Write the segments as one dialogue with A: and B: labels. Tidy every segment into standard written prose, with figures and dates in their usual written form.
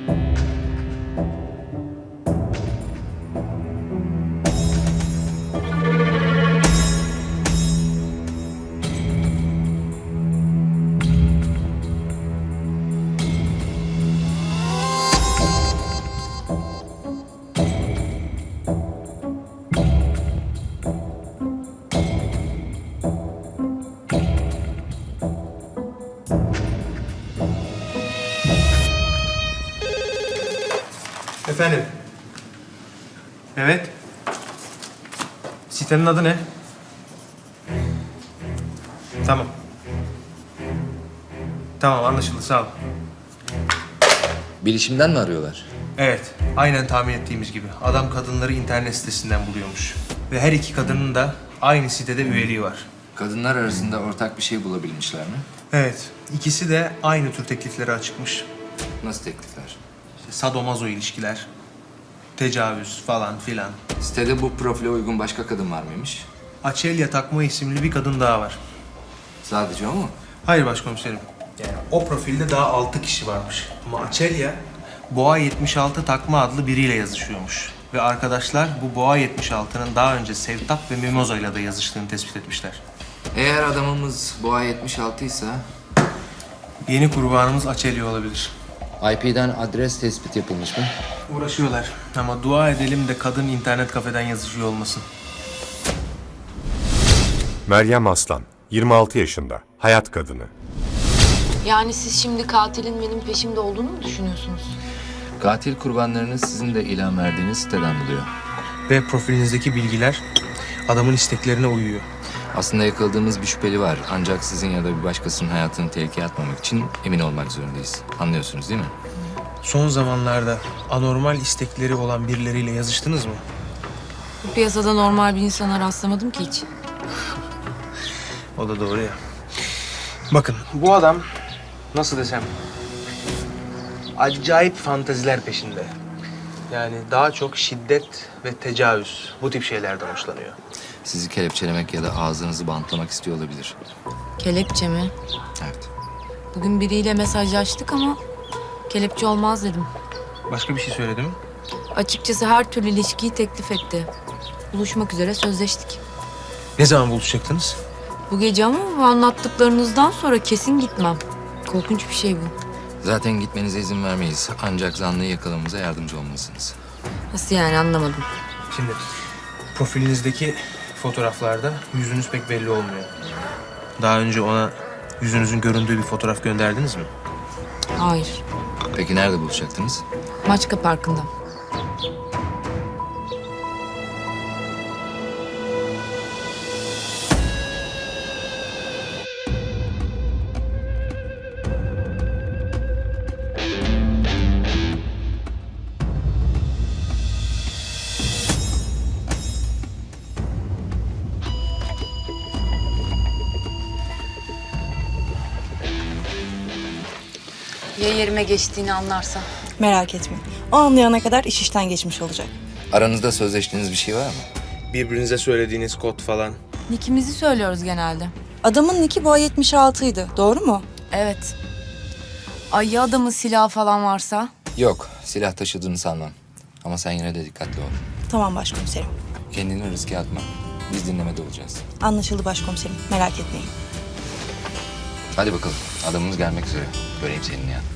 A: Efendim? Evet. Sitenin adı ne? Tamam. Tamam, anlaşıldı. Sağ ol.
B: Bilişimden mi arıyorlar?
A: Evet, aynen tahmin ettiğimiz gibi. Adam kadınları internet sitesinden buluyormuş. Ve her iki kadının da aynı sitede üyeliği var.
B: Kadınlar arasında ortak bir şey bulabilmişler mi?
A: Evet, ikisi de aynı tür tekliflere açıkmış.
B: Nasıl teklifler?
A: İşte sadomazo ilişkiler, tecavüz falan filan.
B: Sitede bu profile uygun başka kadın var mıymış?
A: Açelya Takma isimli bir kadın daha var.
B: Sadece o mu?
A: Hayır başkomiserim. Yani o profilde daha 6 kişi varmış. Ama Açelya, Boğa 76 Takma adlı biriyle yazışıyormuş. Ve arkadaşlar bu Boğa 76'nın daha önce Sevtap ve Mimoza ile de yazıştığını tespit etmişler.
B: Eğer adamımız Boğa 76 ise...
A: Yeni kurbanımız Açelya olabilir.
B: IP'den adres tespit yapılmış mı?
A: Uğraşıyorlar ama dua edelim de kadın internet kafeden yazışıyor olmasın.
C: Meryem Aslan, 26 yaşında, hayat kadını.
D: Yani siz şimdi katilin benim peşimde olduğunu mu düşünüyorsunuz?
B: Katil kurbanlarını sizin de ilan verdiğiniz siteden buluyor.
A: Ve profilinizdeki bilgiler adamın isteklerine uyuyor.
B: Aslında yakaladığımız bir şüpheli var. Ancak sizin ya da bir başkasının hayatını tehlikeye atmamak için emin olmak zorundayız. Anlıyorsunuz değil mi?
A: Son zamanlarda anormal istekleri olan birileriyle yazıştınız mı?
D: Bu piyasada normal bir insana rastlamadım ki hiç.
A: O da doğru ya. Bakın bu adam nasıl desem acayip fanteziler peşinde. Yani daha çok şiddet ve tecavüz bu tip şeylerden hoşlanıyor.
B: Sizi kelepçelemek ya da ağzınızı bantlamak istiyor olabilir.
D: Kelepçe mi?
B: Evet.
D: Bugün biriyle mesajlaştık ama kelepçe olmaz dedim.
A: Başka bir şey söyledi mi?
D: Açıkçası her türlü ilişkiyi teklif etti. Buluşmak üzere sözleştik.
A: Ne zaman buluşacaktınız?
D: Bu gece ama bu anlattıklarınızdan sonra kesin gitmem. Korkunç bir şey bu.
B: Zaten gitmenize izin vermeyiz. Ancak zanlıyı yakalamamıza yardımcı olmalısınız.
D: Nasıl yani anlamadım.
A: Şimdi profilinizdeki fotoğraflarda yüzünüz pek belli olmuyor. Daha önce ona yüzünüzün göründüğü bir fotoğraf gönderdiniz mi?
D: Hayır.
B: Peki nerede buluşacaktınız?
D: Maçka Parkı'nda. Ya yerime geçtiğini anlarsa?
E: Merak etme. O anlayana kadar iş işten geçmiş olacak.
B: Aranızda sözleştiğiniz bir şey var mı?
A: Birbirinize söylediğiniz kod falan.
D: Nickimizi söylüyoruz genelde.
E: Adamın nicki Boğa 76'ydı. Doğru mu?
D: Evet. Ay ya adamın silahı falan varsa?
B: Yok, silah taşıdığını sanmam. Ama sen yine de dikkatli ol.
E: Tamam başkomiserim.
B: Kendini riske atma. Biz dinlemede olacağız.
E: Anlaşıldı başkomiserim. Merak etmeyin.
B: Hadi bakalım, adamımız gelmek üzere. Göreyim seninle ya.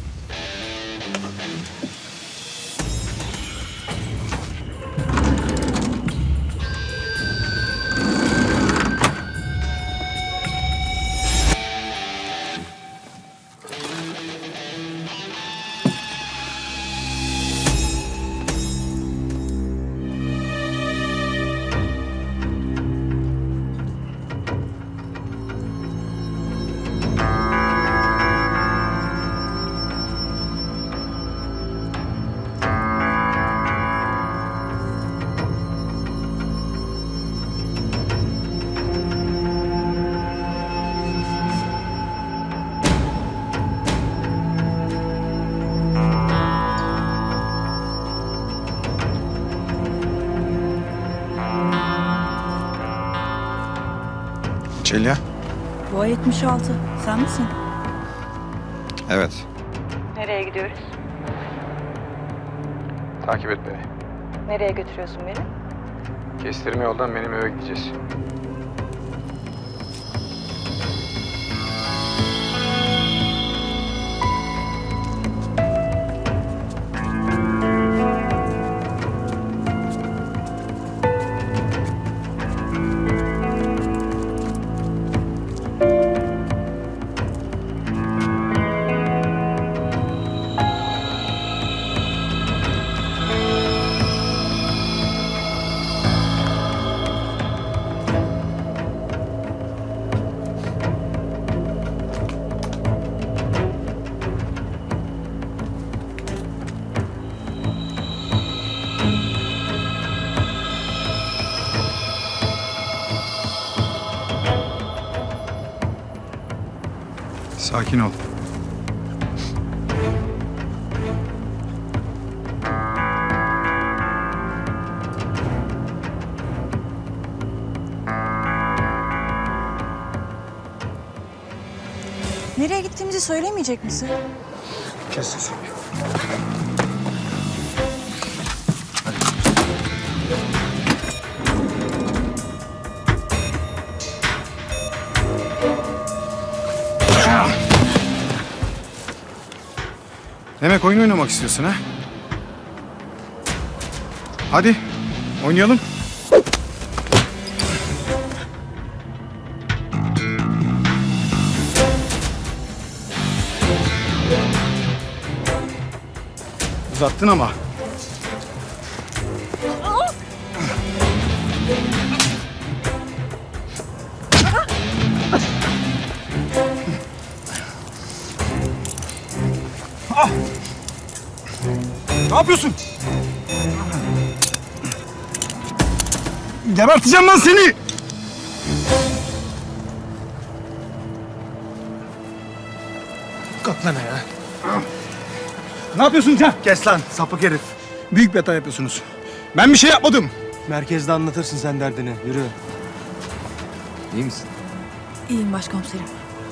F: Çelya?
E: Boğa 76. Sen misin?
F: Evet.
E: Nereye gidiyoruz?
F: Takip et beni.
E: Nereye götürüyorsun beni?
F: Kestirme yoldan benim eve gideceğiz. Sakin ol.
E: Nereye gittiğimizi söylemeyecek misin?
F: Kes sesini. Demek oyun oynamak istiyorsun ha? Hadi oynayalım. Uzattın ama. Ne yapıyorsun? Geberteceğim lan seni!
A: Kalk lan ya.
F: Ne yapıyorsun sen?
A: Kes lan sapık herif.
F: Büyük bir hata yapıyorsunuz. Ben bir şey yapmadım.
A: Merkezde anlatırsın sen derdini. Yürü.
B: İyi misin?
E: İyiyim başkomiserim.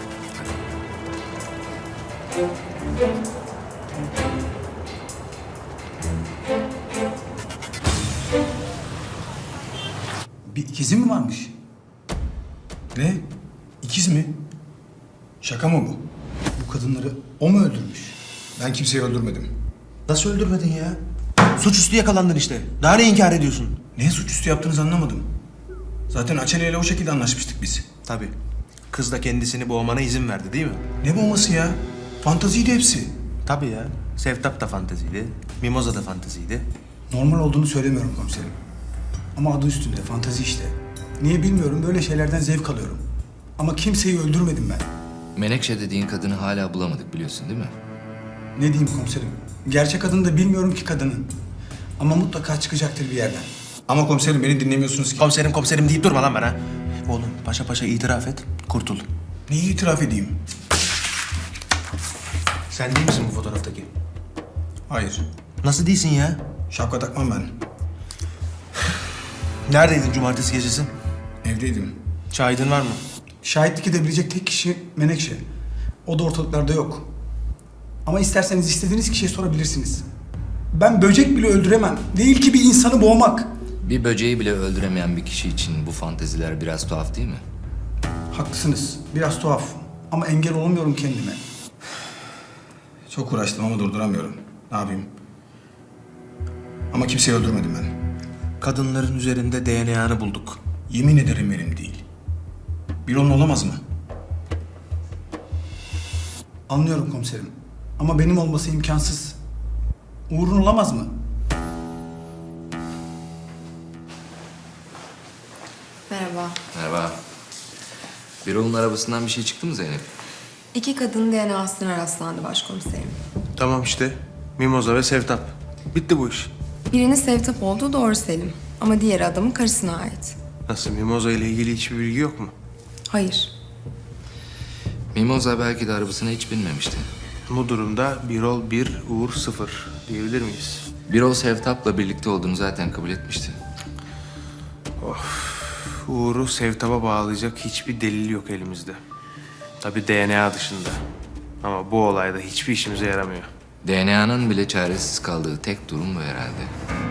G: Bir ikizi mi varmış? Ne? İkiz mi? Şaka mı bu? Bu kadınları o mu öldürmüş? Ben kimseyi öldürmedim.
A: Nasıl öldürmedin ya? Suçüstü yakalandın işte. Daha ne inkar ediyorsun?
G: Ne suçüstü yaptığınızı anlamadım. Zaten Açeli ile o şekilde anlaşmıştık biz.
A: Tabii. Kız da kendisini boğmana izin verdi değil mi?
G: Ne bombası ya? Fantaziydi hepsi.
A: Tabii ya. Sevtap da fanteziydi. Mimoza da fanteziydi.
G: Normal olduğunu söylemiyorum komiserim. Ama adı üstünde fantazi işte. Niye bilmiyorum, böyle şeylerden zevk alıyorum. Ama kimseyi öldürmedim ben.
B: Menekşe dediğin kadını hala bulamadık biliyorsun değil mi?
G: Ne diyeyim komiserim? Gerçek adını da bilmiyorum ki kadının. Ama mutlaka çıkacaktır bir yerden. Ama komiserim beni dinlemiyorsunuz ki.
A: Komiserim deyip durma lan bana. Oğlum paşa paşa itiraf et. Kurtul.
G: Neyi itiraf edeyim?
A: Sen değil misin bu fotoğraftaki?
G: Hayır.
A: Nasıl değilsin ya?
G: Şapka takmam ben.
A: Neredeydin cumartesi gecesi?
G: Evdeydim.
A: Şahidin var mı?
G: Şahitlik edebilecek tek kişi Menekşe. O da ortalıklarda yok. Ama isterseniz istediğiniz kişiye sorabilirsiniz. Ben böcek bile öldüremem. Değil ki bir insanı boğmak.
B: Bir böceği bile öldüremeyen bir kişi için bu fanteziler biraz tuhaf değil mi?
G: Haklısınız. Biraz tuhaf. Ama engel olamıyorum kendime. Çok uğraştım ama durduramıyorum. Ne yapayım? Ama kimseyi öldürmedim ben.
A: Kadınların üzerinde DNA'nı bulduk.
G: Yemin ederim benim değil. Bir onun olamaz mı? Anlıyorum komiserim. Ama benim olması imkansız. Uğur'un olamaz mı?
H: Merhaba.
B: Merhaba. Birol'un arabasından bir şey çıktı mı Zeynep?
H: 2 kadının DNA'sına rastlandı başkomiserim.
A: Tamam işte. Mimoza ve Sevtap. Bitti bu iş.
H: Birinin Sevtap olduğu doğru Selim. Ama diğer adamın karısına ait.
A: Nasıl Mimoza ile ilgili hiçbir bilgi yok mu?
H: Hayır.
B: Mimoza belki de arabasına hiç binmemişti.
A: Bu durumda Birol 1, Uğur 0 diyebilir miyiz?
B: Birol Sevtap'la birlikte olduğunu zaten kabul etmişti.
A: Uğur'u Sevtap'a bağlayacak hiçbir delil yok elimizde. Tabii DNA dışında. Ama bu olayda hiçbir işimize yaramıyor.
B: DNA'nın bile çaresiz kaldığı tek durum bu herhalde.